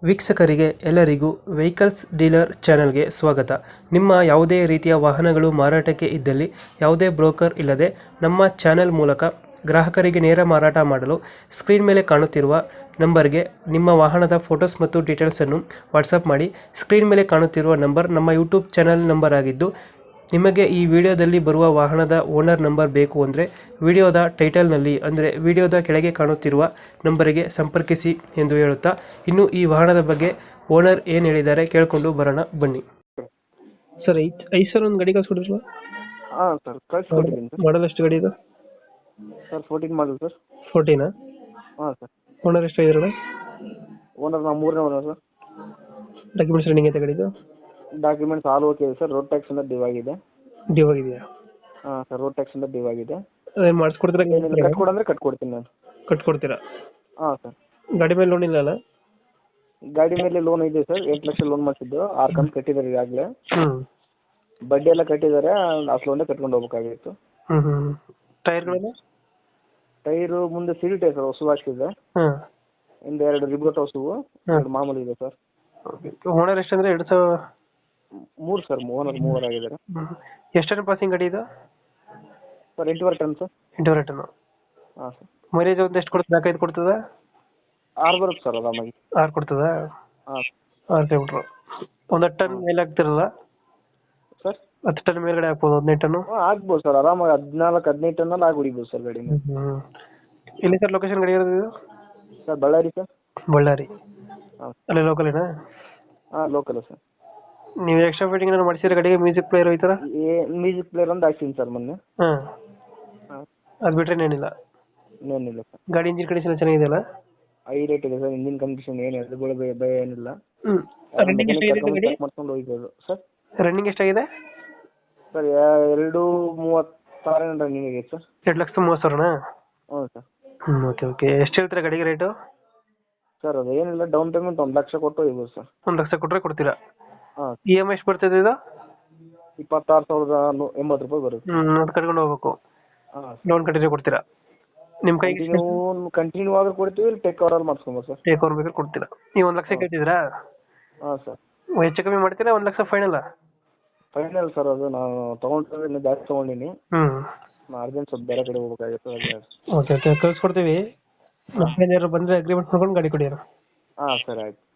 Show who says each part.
Speaker 1: ವೀಕ್ಷಕರಿಗೆ ಎಲ್ಲರಿಗೂ vehicles dealer ಚಾನೆಲ್ಗೆ ಸ್ವಾಗತ. ನಿಮ್ಮ ಯಾವುದೇ ರೀತಿಯ ವಾಹನಗಳು ಮಾರಾಟಕ್ಕೆ ಇದ್ದಲ್ಲಿ ಯಾವುದೇ ಬ್ರೋಕರ್ ಇಲ್ಲದೆ ನಮ್ಮ ಚಾನೆಲ್ ಮೂಲಕ ಗ್ರಾಹಕರಿಗೆ ನೇರ ಮಾರಾಟ ಮಾಡಲು ಸ್ಕ್ರೀನ್ ಮೇಲೆ ಕಾಣುತ್ತಿರುವ ನಂಬರ್ಗೆ ನಿಮ್ಮ ವಾಹನದ ಫೋಟೋಸ್ ಮತ್ತು ಡೀಟೇಲ್ಸನ್ನು ವಾಟ್ಸಪ್ ಮಾಡಿ. ಸ್ಕ್ರೀನ್ ಮೇಲೆ ಕಾಣುತ್ತಿರುವ ನಂಬರ್ ನಮ್ಮ ಯೂಟ್ಯೂಬ್ ಚಾನೆಲ್ ನಂಬರ್ ಆಗಿದ್ದು, ನಿಮಗೆ ಈ ವಿಡಿಯೋದಲ್ಲಿ ಬರುವ ವಾಹನದ ಓನರ್ ನಂಬರ್ ಬೇಕು ಅಂದರೆ ವಿಡಿಯೋದ ಟೈಟಲ್ನಲ್ಲಿ ಅಂದರೆ ವಿಡಿಯೋದ ಕೆಳಗೆ ಕಾಣುತ್ತಿರುವ ನಂಬರಿಗೆ ಸಂಪರ್ಕಿಸಿ ಎಂದು ಹೇಳುತ್ತಾ, ಇನ್ನು ಈ ವಾಹನದ ಬಗ್ಗೆ ಓನರ್ ಏನು ಹೇಳಿದ್ದಾರೆ ಕೇಳಿಕೊಂಡು ಬರೋಣ ಬನ್ನಿ. ಸರ್ ಐಸರ್ ಒಂದು ಗಾಡಿ ಕಳಿಸ್ಕೊಡಿಲ್ವಾ?
Speaker 2: ಹಾಂ ಸರ್ ಕಳಿಸ್ಕೊಟ್ಟಿದ್ದೀನಿ ಸರ್.
Speaker 1: ಮಾಡಲ್ ಎಷ್ಟು ಗಾಡಿ ಇದು?
Speaker 2: Sir 14 model sir.
Speaker 1: 14?
Speaker 2: ಹಾಂ ಸರ್.
Speaker 1: ಓನರ್ ಎಷ್ಟು ಆಗಿರೋಣ?
Speaker 2: ಓನರ್ ನಾವು 3ನೇ ಓನರ್ ಸರ್.
Speaker 1: ಡಾಕ್ಯುಮೆಂಟ್ಸ್ ರನ್ನಿಂಗ್ ಐತೆ ಗಾಡಿದು?
Speaker 2: ಡಾಕ್ಯುಮೆಂಟ್ಸ್ ಆಲ್ ಓಕೆ ಇದೆ ಸರ್. ರೋಡ್ ಟ್ಯಾಕ್ಸಿಂದ ಡ್ಯೂ ಆಗಿದೆ.
Speaker 1: ಡ್ಯೂ ಆಗಿದೆಯಾ?
Speaker 2: ಹಾಂ ಸರ್, ರೋಡ್ ಟ್ಯಾಕ್ಸಿಂದ ಡ್ಯೂ ಆಗಿದೆ.
Speaker 1: ಅದೇನು ಮಾಡಿಸ್ಕೊಡ್ತೀರಾ?
Speaker 2: ಕಟ್ಕೊಡಂದ್ರೆ ಕಟ್ಕೊಡ್ತೀನಿ ನಾನು.
Speaker 1: ಕಟ್ಕೊಡ್ತೀರಾ?
Speaker 2: ಹಾಂ ಸರ್.
Speaker 1: ಗಾಡಿ ಮೇಲೆ ಲೋನ್ ಇಲ್ಲ ಅಲ್ಲ?
Speaker 2: ಗಾಡಿ ಮೇಲೆ ಲೋನ್ ಇದೆ ಸರ್. 8 ಲಕ್ಷ ಲೋನ್ ಮಾಡಿಸಿದ್ದು, 6 ಕಂತು ಕಟ್ಟಿದ್ದಾರೆ ಈಗಾಗಲೇ.
Speaker 1: ಹ್ಞೂ.
Speaker 2: ಬಡ್ಡಿ ಎಲ್ಲ ಕಟ್ಟಿದ್ದಾರೆ. ಅಷ್ಟು ಲೋನೇ ಕಟ್ಕೊಂಡು ಹೋಗ್ಬೇಕಾಗಿತ್ತು.
Speaker 1: ಹ್ಞೂ. ಟೈರ್ಗಳೆಲ್ಲ?
Speaker 2: ಟೈರು ಮುಂದೆ ಸಿಲ್ ಟೈರ್ ಸರ್, ಹೊಸ ಹಾಕ್ಸಿದೆ.
Speaker 1: ಹಾಂ.
Speaker 2: ಹಿಂದೆ 2 ರಿಬೋಟ್ ಹೊಸವು, 2 ಮಾಮೂಲಿ ಇದೆ ಸರ್.
Speaker 1: ಓನರ್ ಎಷ್ಟಂದ್ರೆ 2000?
Speaker 2: 3 ಸರ್. ಓನರ್ 3 ಆಗಿದ್ದಾರೆ.
Speaker 1: ಎಷ್ಟು ಟನ್ ಪಾಸಿಂಗ್ ಗಾಡಿ ಇದು?
Speaker 2: Sir 8.5 ton sir.
Speaker 1: 8.5 ಟನ್.
Speaker 2: ಹಾಂ ಸರ್.
Speaker 1: ಮೈಲೇಜ್ ಒಂದು ಎಷ್ಟು ಕೊಡ್ತದೆ? 4-5 ಕೊಡ್ತದ?
Speaker 2: 6 ಬರುತ್ತೆ ಸರ್ ಆರಾಮಾಗಿ.
Speaker 1: 6 ಕೊಡ್ತದ?
Speaker 2: ಹಾಂ
Speaker 1: 6 ಕಿಲೋಮೀಟ್ರು. ಒಂದು 10 ಟನ್ ಮೇಲೆ ಆಗ್ತಿರಲ್ಲ
Speaker 2: ಸರ್.
Speaker 1: 10 ಟನ್ ಮೇಲ್ಗಡೆ ಆಗ್ಬೋದು? 15 ಟನ್ನು
Speaker 2: ಆಗ್ಬೋದು ಸರ್ ಆರಾಮಾಗಿ. 14-15 ಟನ್ನಲ್ಲಿ ಆಗಿ ಹೊಡಿಬೋದು ಸರ್ ಗಾಡಿ.
Speaker 1: ಎಲ್ಲಿ ಸರ್ ಲೊಕೇಶನ್ ಗಾಡಿ ಇರೋದು ಇದು?
Speaker 2: Sir Ballari sir.
Speaker 1: ಬಳ್ಳಾರಿ?
Speaker 2: ಹಾಂ
Speaker 1: ಅಲ್ಲೇ ಲೋಕಲೇನಾ?
Speaker 2: ಹಾಂ ಲೋಕಲ್ ಸರ್.
Speaker 1: ನೀವು ಎಕ್ಸ್ಟ್ರಾ ಫಿಟ್ಟಿಂಗ್ ಏನಾದ್ರು ಮಾಡಿಸಿದ್ರೆ ಗಾಡಿಗೆ? ಮ್ಯೂಸಿಕ್ ಪ್ಲೇಯರ್ ಈ ಥರ?
Speaker 2: ಮ್ಯೂಸಿಕ್ ಪ್ಲೇಯರ್ ಒಂದು ಹಾಕ್ತೀನಿ ಸರ್ ಮೊನ್ನೆ.
Speaker 1: ಹಾಂ.
Speaker 2: ಹಾಂ.
Speaker 1: ಅದು ಬಿಟ್ಟರೆ ಏನಿಲ್ಲ?
Speaker 2: ಇನ್ನೇನಿಲ್ಲ ಸರ್.
Speaker 1: ಗಾಡಿ ಇಂಜಿನ್ ಕಂಡೀಷನ್ ಚೆನ್ನಾಗಿದೆಯಲ್ಲ?
Speaker 2: ಹೈಲೈಟ್ ಇದೆ ಸರ್. ಇಂಜಿನ್ ಕಂಡೀಷನ್ ಏನು ಎದುರುಗಳು ಭಯ ಏನಿಲ್ಲ.
Speaker 1: ಹ್ಞೂ. ರನ್ನಿಂಗ್ ಎಷ್ಟಾಗಿದೆ ಗಾಡಿ?
Speaker 2: ಮಾಡ್ಕೊಂಡು ಹೋಗ್ಬೋದು ಸರ್.
Speaker 1: ರನ್ನಿಂಗ್ ಎಷ್ಟಾಗಿದೆ
Speaker 2: ಸರ್ 2,36 ರನ್ನಿಂಗ್ ಇದೆ ಸರ್.
Speaker 1: 2,30,000?
Speaker 2: ಹ್ಞೂ ಸರ್.
Speaker 1: ಹ್ಞೂ. ಓಕೆ. ಎಷ್ಟು ಹೇಳ್ತೀರಾ ಗಾಡಿಗೆ ರೇಟು?
Speaker 2: ಸರ್ ಅದು ಏನಿಲ್ಲ, ಡೌನ್ ಪೇಮೆಂಟ್ 1 ಲಕ್ಷ ಕೊಟ್ಟು ಹೋಗ್ಬೋದು ಸರ್.
Speaker 1: 1 ಲಕ್ಷ ಕೊಟ್ಟರೆ ಕೊಡ್ತೀರಾ?
Speaker 2: ಹಾಂ.
Speaker 1: EMI ಎಷ್ಟು ಬರ್ತದೆ ಇದು?
Speaker 2: 26,080 ರೂಪಾಯಿ ಬರುತ್ತೆ.
Speaker 1: ಅದು ಕಟ್ಕೊಂಡು ಹೋಗ್ಬೇಕು?
Speaker 2: ಹಾಂ.
Speaker 1: ಲೋನ್ ಕಟ್ಟಿದ್ರೆ ಕೊಡ್ತೀರಾ? ನಿಮ್ಮ ಕೈಗೆ
Speaker 2: ಕಂಟಿನ್ಯೂ ಆದ್ರೂ ಕೊಡ್ತೀವಿ, ಇಲ್ಲಿ ಟೇಕ್ ಓವರಲ್ಲಿ ಮಾಡಿಸ್ಕೊಬೋದು ಸರ್.
Speaker 1: ಟೇಕ್ ಓವರ್ ಬೇಕಾದ್ರೆ ಕೊಡ್ತೀರಾ? ನೀವು 1 ಲಕ್ಷ ಕೇಳ್ತಿದ್ದೀರಾ?
Speaker 2: ಹಾಂ ಸರ್.
Speaker 1: ಹೆಚ್ಚು ಕಮ್ಮಿ ಮಾಡ್ತೀರಾ? 1 ಲಕ್ಷ ಫೈನಲ್?
Speaker 2: Final sir. ಅದು ನಾನು ತೊಗೊಂಡ್ರೆ ಇನ್ನೂ ಜಾಸ್ತಿ ತೊಗೊಂಡಿನಿ.
Speaker 1: ಹ್ಞೂ.
Speaker 2: ಅರ್ಜೆಂಟ್ ಸ್ವಲ್ಪ ಬೇರೆ ಕಡೆ ಹೋಗ್ಬೇಕಾಗಿತ್ತು.
Speaker 1: ಓಕೆ ಓಕೆ, ಕಳ್ಸ್ಕೊಡ್ತೀವಿ. ನಮ್ಮ ಏನಾದ್ರು ಬಂದರೆ ಅಗ್ರಿಮೆಂಟ್ ಮಾಡ್ಕೊಂಡು ಗಾಡಿ ಕೊಡಿ.
Speaker 2: ಹಾಂ ಸರ್ ಆಯ್ತು.